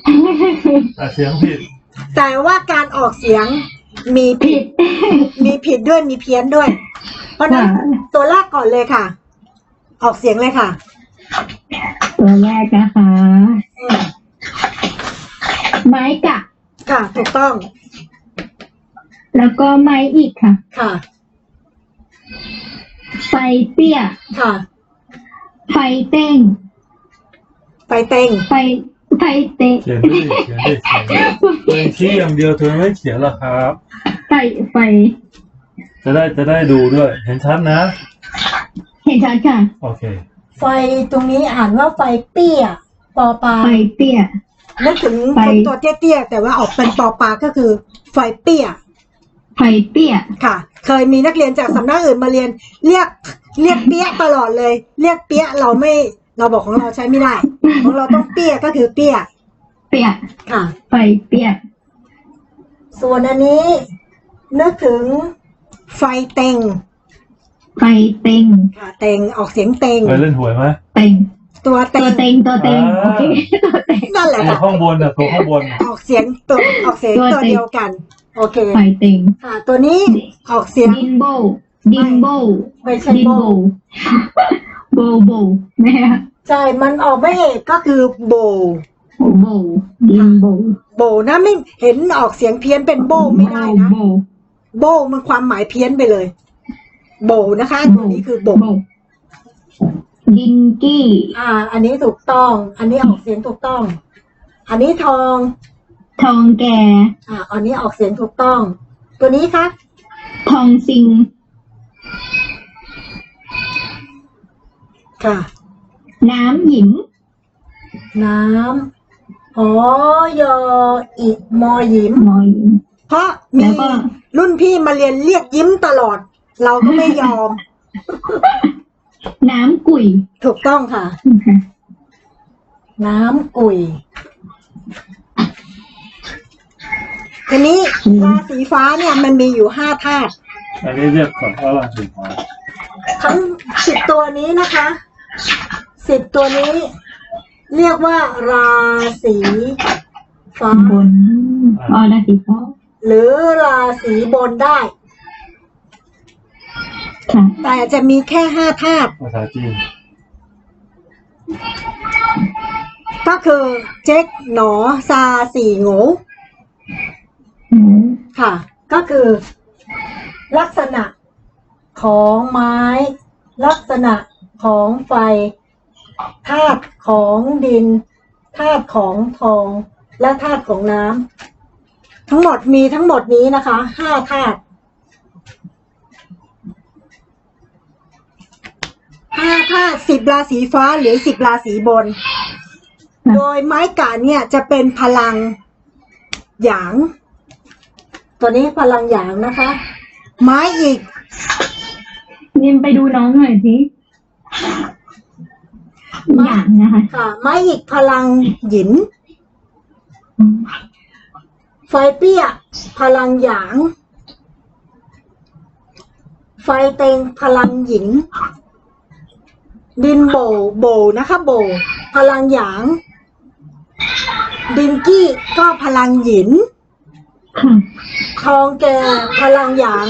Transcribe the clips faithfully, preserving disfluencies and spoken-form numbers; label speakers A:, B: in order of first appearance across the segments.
A: อ่ะเสียงผิด
B: แต่ว่าการออกเสียงมีผิดมีผิดด้วยมีเพี้ยนด้วย เพราะนั้นตัวแรกก่อนเลยค่ะ ออกเสียงเลยค่ะ
C: ตัวแรกนะคะไม้กะ
B: ค่ะถูกต้อง
C: แล้วก็ไม้อีกค่ะ
B: ค่ะ
C: ไฟเตี้ย
B: ค่ะ
C: ไฟเต้ง
B: ไฟเต้ง
C: ไฟไฟเต้ง
A: เขียนดิเขียนดิเขียนดิตัวเองชี้อย่างเดียวเธอไม่เขียนหรอครับ
C: ไฟไฟ
A: จะได้จะได้ดูด้วยเห็นชัดนะ
C: เห็นชัดค่ะ
A: โอเค
B: ไฟตรงนี้อ่านว่าไฟเปี้ยปอปลา
C: ไฟเตี้ย
B: นึกถึงคนตัวเตี้ยๆแต่ว่าออกเป็นปอปลาก็คือไฟเปี้ย
C: ไฟเปี้ย
B: ค่ะเคยมีนักเรียนจากสำนักอื่นมาเรียนเรียกเรียกเปี้ยตลอดเลยเรียกเปี้ยเราไม่เราบอกของเราใช้ไม่ได้ของเราต้องเปี้ยก็คือเปี้ย
C: เปี้ย
B: ค่ะ
C: ไฟเปี้ย
B: ส่วนอันนี้นึกถึงไฟเต็ง
C: ไฟเต็ง
B: ค่ะเต็งออกเสียงเต็ง
A: เคยเล่นหวยไหม
C: เต็ง
B: ตัวเต็ง
C: ตัวเต็งตัวเต็งโอเคตัวเต็ง
B: นั่นแหละ
A: ตัวข้างบนอ่ะตัวข้างบน
B: ออกเสียงตัวออกเสียงตัวเดียวกันโอเค
C: ไฟเต็ง
B: ค่ะตัวนี้ออกเสียง
C: ดินโบดินโบ
B: ไม่ใช่โบ
C: โบโบแม่
B: ใช่มันออกไม่เอกก็คือโบ
C: โบดินโบ
B: โบนะไม่เห็นออกเสียงเพี้ยนเป็นโบไม่ได้นะโบมันความหมายเพี้ยนไปเลยโบนะคะตัวนี้คือโบ
C: ดิงกี้
B: อ่าอันนี้ถูกต้องอันนี้ออกเสียงถูกต้องอันนี้ทอง
C: ทองแก่
B: อ่าอันนี้ออกเสียงถูกต้องตัวนี้ครับ
C: ทองซิง
B: ค่ะ
C: น้ำหยิม
B: น้ำอ๋อยออิมอหยิม
C: มอหยิม
B: เพราะมีรุ่นพี่มาเรียนเรียกยิ้มตลอดเราก็ไม่ยอม
C: น้ำกุ่ย
B: ถูกต้องค่ะน้ำกุ่ยทีนี้ราสีฟ้าเนี่ยมันมีอยู่ห้าธาตุ
A: อันนี้เรียกกับว่าราสีฟ้า
B: ทั้งสิบตัวนี้นะคะสิบตัวนี้เรียกว่าราศีฟ้า
C: บนอ๋อราศีฟ้า
B: หรือราศีบนได้แต่จะมีแค่ห้าธาตุ
A: ภาษาจีน
B: ก็คือเจ๊กหนอซาสี่โง่ค่ะก็คือลักษณะของไม้ลักษณะของไฟธาตุของดินธาตุของทองและธาตุของน้ำทั้งหมดมีทั้งหมดนี้นะคะห้าธาตุห้าธาตุสิบราศีฟ้าหรือสิบราศีบนโดยไม้กาเนี่ยจะเป็นพลังหยางตัวนี้พลังหยางนะคะ ไม้อีก
C: นิมไปดูน้องหน่อยสิหยางนะคะ
B: ค่ะไม้อีกพลังหยินไฟเปี้ยพลังหยางไฟเต็งพลังหยินดินโบโบนะคะโบพลังหยางดินกี้ก็พลังหยินทองแก่พลังหยาง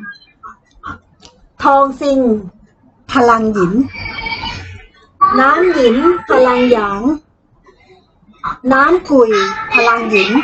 B: ทองซิงพลังหยินน้ำหยินพลังหยางน้ำกุยพลังหยิน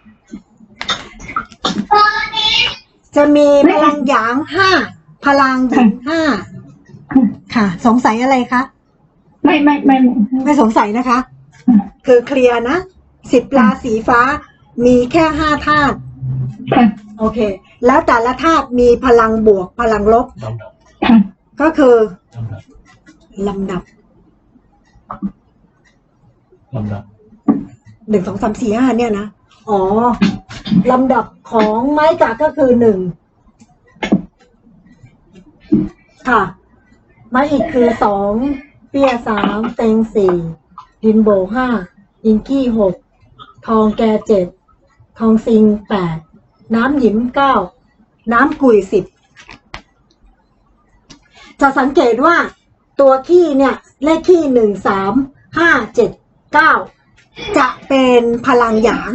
B: จะมีพลังหยางห้าพลังหยินห้าค่ะสงสัยอะไรคะ
C: ไม่ไม่ไม่
B: ไม่สงสัยนะคะคือเคลียร์นะสิบราศีฟ้ามีแค่ห้าธาตุโอเคแล้วแต่ละธาตุมีพลังบวกพลังลบก็คือลำดับ
A: ลำดับ
B: หนึ่งสองสามสี่ห้าเนี่ยนะอ๋อลำดับของไม้กาก็คือหนึ่งค่ะไม้อีกคือสองเปี้ยสามเต็งสี่ดินโบห้าดินกี้หกทองแกเจ็ดทองซิงแปดน้ำหยิมเก้าน้ำกุยสิบจะสังเกตว่าตัวขี้เนี่ยเลขขี้หนึ่งสามห้าเจ็ดเก้าจะเป็นพลังหยาง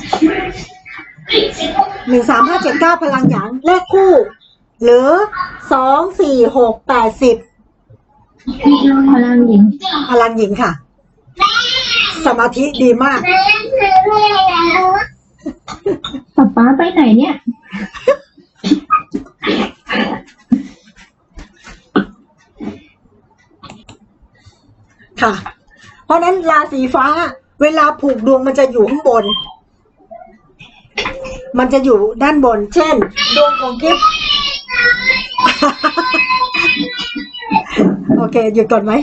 B: หนึ่งสามห้าเจ็ดเก้าพลังหยางเลขคู่ หรือสองสี่หกแปดสิบ
C: พลังหญิง
B: พลังหญิงค่ะ สมาธิดีมาก
C: ป๊าป๊าไปไหนเนี่ย
B: ค่ะ เพราะนั้นราศีฟ้า เวลาผูกดวงมันจะอยู่ข้างบน มันจะอยู่ด้านบน เช่น ดวงของกิฟ โอเค หยุดก่อนไหม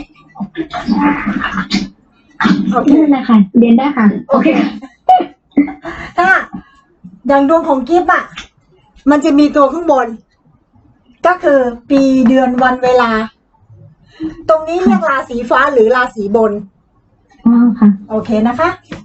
B: โอเค
C: นั่นแหละค่ะ เรียนได้ค่ะ
B: โอเค ถ้าอย่างดวงของกิฟต์อ่ะ มันจะมีตัวข้างบน ก็คือปีเดือนวันเวลา ตรงนี้เรียกราศีฟ้าหรือราศีบน
C: อ๋อค่ะ
B: โอเคนะคะ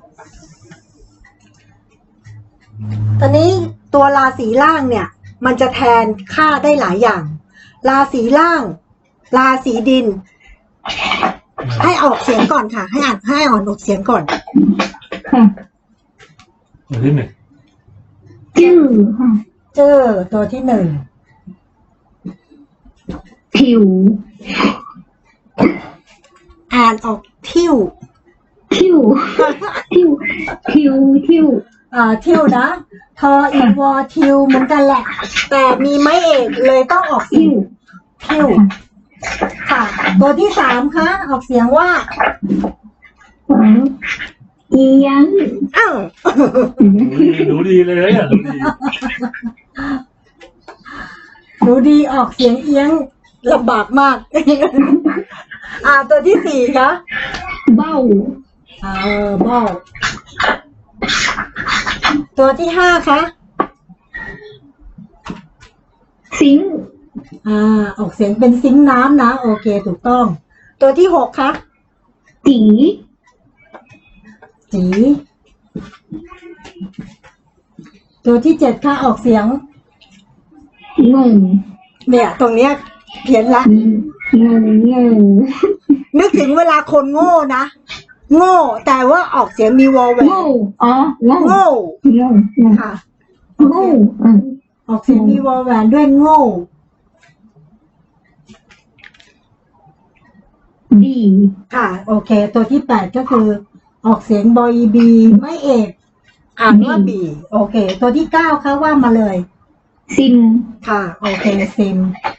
B: ตอนนี้ตัวราศีล่างเนี่ย มันจะแทนค่าได้หลายอย่าง ราศีล่าง ราศีดิน ให้ออกเสียงก่อนค่ะ ให้อ่านให้อ่านออกเสียงก่อน
C: ค่ะ
A: ตัวที่หนึ่ง
C: จื้อค่ะ
B: เจอตัวที่หนึ่ง
C: ผิว
B: อ่านออกทิ่ว
C: ทิวทิวทิวทิว
B: อ่าทิวนะ ทออีวอทิวเหมือนกันแหละ แต่มีไม้เอกเลยต้องออกเสี
C: ทิ
B: ยง
C: ว
B: ทิวค่ะ ตัวที่สามคะออกเสียงว่า
C: เอียง
B: อ้าว
A: รู้ดีรู้ดีเลยอ่ะรู้ดี
B: ดูดีออกเสียงเอียงลำบากมาก อ่าตัวที่สี่คะ
C: เบ้า
B: อ่าเออบ้าตัวที่ห้าคะ
C: สิง
B: อ่าออกเสียงเป็นซิงค์น้ำนะ โอเคถูกต้อง ตัวที่หกคะ
C: จี
B: จีตัวที่เจ็ดค่ะออกเสียง
C: งง
B: เนี่ย ตรงเนี้ยเพี้ยนละ
C: งงงง
B: นึกถึงเวลาคนโง่นะ โง่ แต่ว่าออกเสียงมีวอลแหวน
C: โง่อ๋อโง่
B: โง่
C: โง่โง่
B: ค่ะ
C: โง่อ่ะ
B: ออกเสียงมีวอลแหวนด้วยโง่
C: ดี
B: ค่ะ โอเค ตัวที่แปดก็คือ ออกเสียงบอยบีไม่เอกอ่านว่าบีโอเค ตัวที่เก้าค่ะว่ามาเลย
C: ซิม
B: ค่ะ โอเคซิม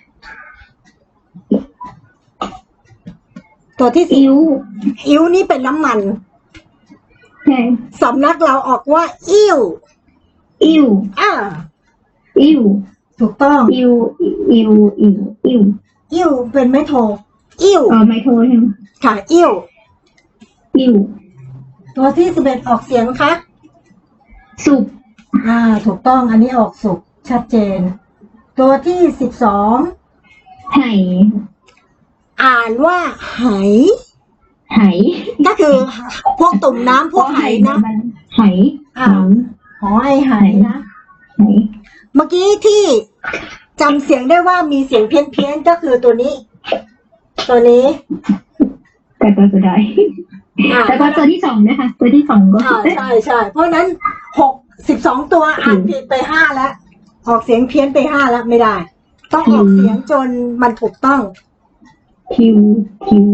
B: ตัวที่สิบ
C: อิ้ว
B: อิ้วนี่เป็นน้ำมัน
C: ใช่
B: สำนักเราออกว่า อิ่ว
C: อิ้ว
B: อ่า
C: อิ้ว
B: ถูกต้อง
C: อิ้วอิ้วอิ้วอิ้ว
B: อิ่วเป็นไม้โท อิ่ว
C: อ๋อไม่โทรใช่ไหม
B: ค่ะ อิ่ว
C: อิ้ว
B: ตัวที่สิบเอ็ดออกเสียงคะ
C: สุก
B: อ่า ถูกต้อง อันนี้ออกสุกชัดเจน ตัวที่สิบสอง
C: ไห่
B: อ่านว่าไห
C: ไห
B: ก็คือ พวกตุ่มน้ำพวกไหนะ
C: ไห
B: อ่าหอไอไหนะ
C: ไห
B: เมื่อกี้ที่จำเสียงได้ว่ามีเสียงเพี้ยนเพี้ยนๆก็คือตัวนี้ ตัวนี้
C: แต่ตัวสุดท้าย
B: อ่า
C: แล้วก็ตัวที่สองนะคะตัวที่สองก็
B: อ่าใช่ใช่เพราะฉะนั้นหกสิบสองตัวอ่านผิดไปห้าแล้ว ออกเสียงเพี้ยนไปห้าแล้วไม่ได้ ต้องออกเสียงจนมันถูกต้อง
C: คิวคิว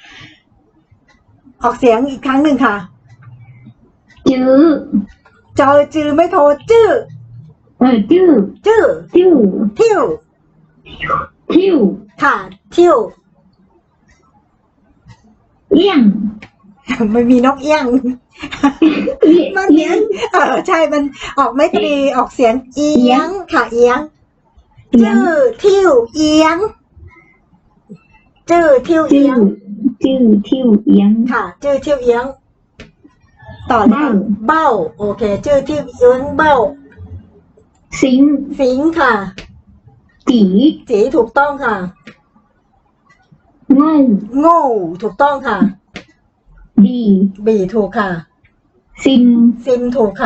B: ออกเสียงอีกครั้งหนึ่งค่ะ
C: จื้อ
B: จอจือไม่โทรจื้อ
C: เออจื้อ
B: จื้อ
C: จิ้ว
B: ทิว
C: ทิว
B: ค่ะทิว
C: เอี้ยง
B: มันมีนกเอี้ยง
C: เอี้ย
B: มัน
C: เอี้ยง
B: เออใช่มันออกไม่ตรีออกเสียงเอียงค่ะเอียง
C: เอี้ยง
B: จื้อทิวเอียงจื้อทิวเอี
C: จื้
B: ย
C: อง จื้อทิวเอี้ยง
B: ค่ะ จื้อทิวเอียง ต่อเลยค่ะเบ้า โอเค จื้อทิวเอียงเบ้า
C: สิง
B: สิงค่ะ
C: จี
B: จีถูกต้องค่ะ
C: โง่
B: โง่ถูกต้องค่ะ
C: ดี
B: บีถูกค่ะ
C: ซิม
B: ซิมถูกค่ะ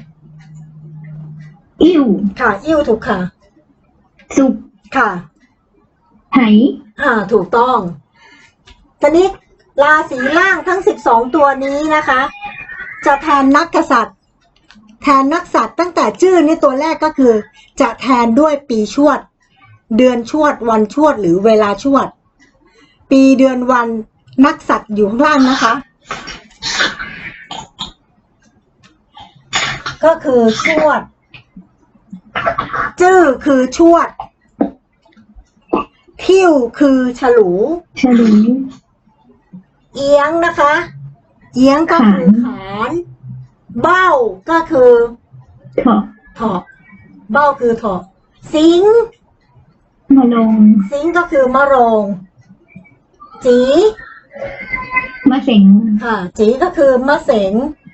C: อิ้ว
B: ค่ะ อิ่วถูกค่ะ
C: สุก
B: ค่ะ
C: ไห
B: อ่า ถูกต้อง ทีนี้ราศีล่างทั้งสิบสองตัวนี้นะคะจะแทนนักกษัตริย์ แทนนักสัตว์ตั้งแต่ชื่อนี่ตัวแรกก็คือ จะแทนด้วยปีชวด เดือนชวด วันชวดหรือเวลาชวด ปีเดือนวันนักสัตว์อยู่ข้างล่างนะคะ ก็คือชวด จื้อคือชวด ทิ่วคือฉลู
C: ฉลู
B: เอียงนะคะ เอียงก็คือขาน เบ้าก็คือ
C: เถาะ
B: เถาะ เบ้าคือเถาะ สิง
C: มะลง
B: สิงก็คือมะโรง จี
C: มะเสง
B: ค่ะ จีก็คือมะเสง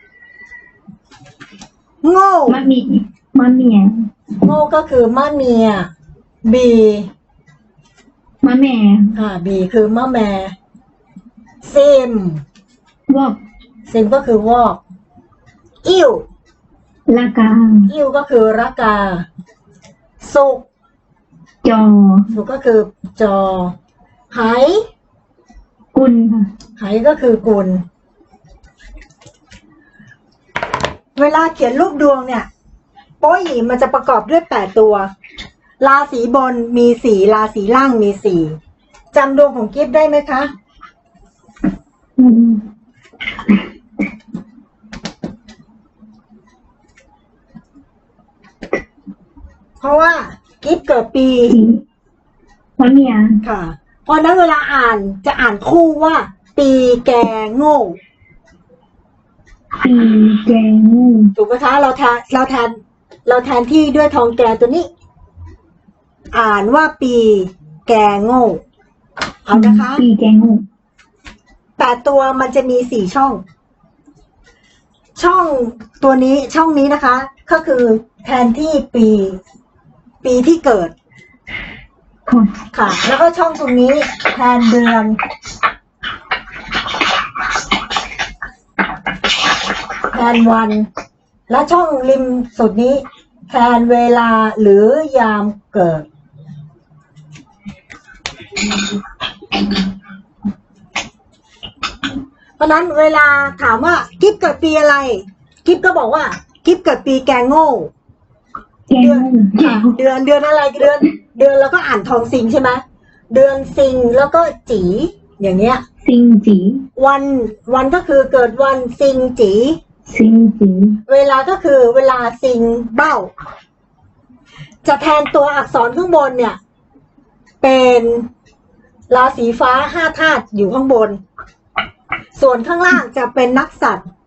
B: โง่
C: มะมีมะเมีย
B: โง่ก็คือมะเมีย บี
C: มะแม่
B: ค่ะ บีคือมะแม ซิม
C: วอก
B: ซิมก็คือวอก อิ่ว
C: ละกา
B: อิ่วก็คือระกา สุก
C: จอ
B: สุกก็คือจอ ไห
C: กุลค่ะ
B: ไหก็คือกุล เวลาเขียนรูปดวงเนี่ย โป้หยีมันจะประกอบด้วยแปดตัว ราศีบนมีสี่ราศีล่างมีสี่จำดวงของกิฟต์ได้ไหมคะ
C: อืม
B: เพราะว่ากิฟต์เกิดปี
C: สีมะเมีย
B: ค่ะ เพราะนั้นเวลาอ่านจะอ่านคู่ว่า ปีแกโง่
C: ปีแกงู
B: ถูกไหมคะ เราแทนเราแทนเราแทนที่ด้วยทองแกตัวนี้ อ่านว่าปีแกโง่ เอานะคะ
C: ปีแกงู
B: แต่ตัวมันจะมีสี่ช่อง ช่องตัวนี้ช่องนี้นะคะ ก็คือแทนที่ปี ปีที่เกิด
C: ค่ะ
B: ค่ะ แล้วก็ช่องตรงนี้แทนเดือน แทนวัน และช่องริมสุดนี้ แทนเวลาหรือยามเกิด เพราะนั้นเวลาถามว่ากิฟเกิดปีอะไร กิฟก็บอกว่ากิฟเกิดปีแกงโง่
C: แกงูแก
B: ค่ะ
C: งู
B: เดือนเดือนอะไรเดือน เดือนแล้วก็อ่านทองซิงใช่ไหมเดือนซิงแล้วก็จีอย่างเงี้ย
C: ซิงจี
B: วันวันก็คือเกิดวันซิงจี
C: ซิงจี
B: เวลาก็คือเวลาซิงเบ้า จะแทนตัวอักษรข้างบนเนี่ย เป็นราศีฟ้าห้าธาตุอยู่ข้างบน ส่วนข้างล่างจะเป็นนักสัตว์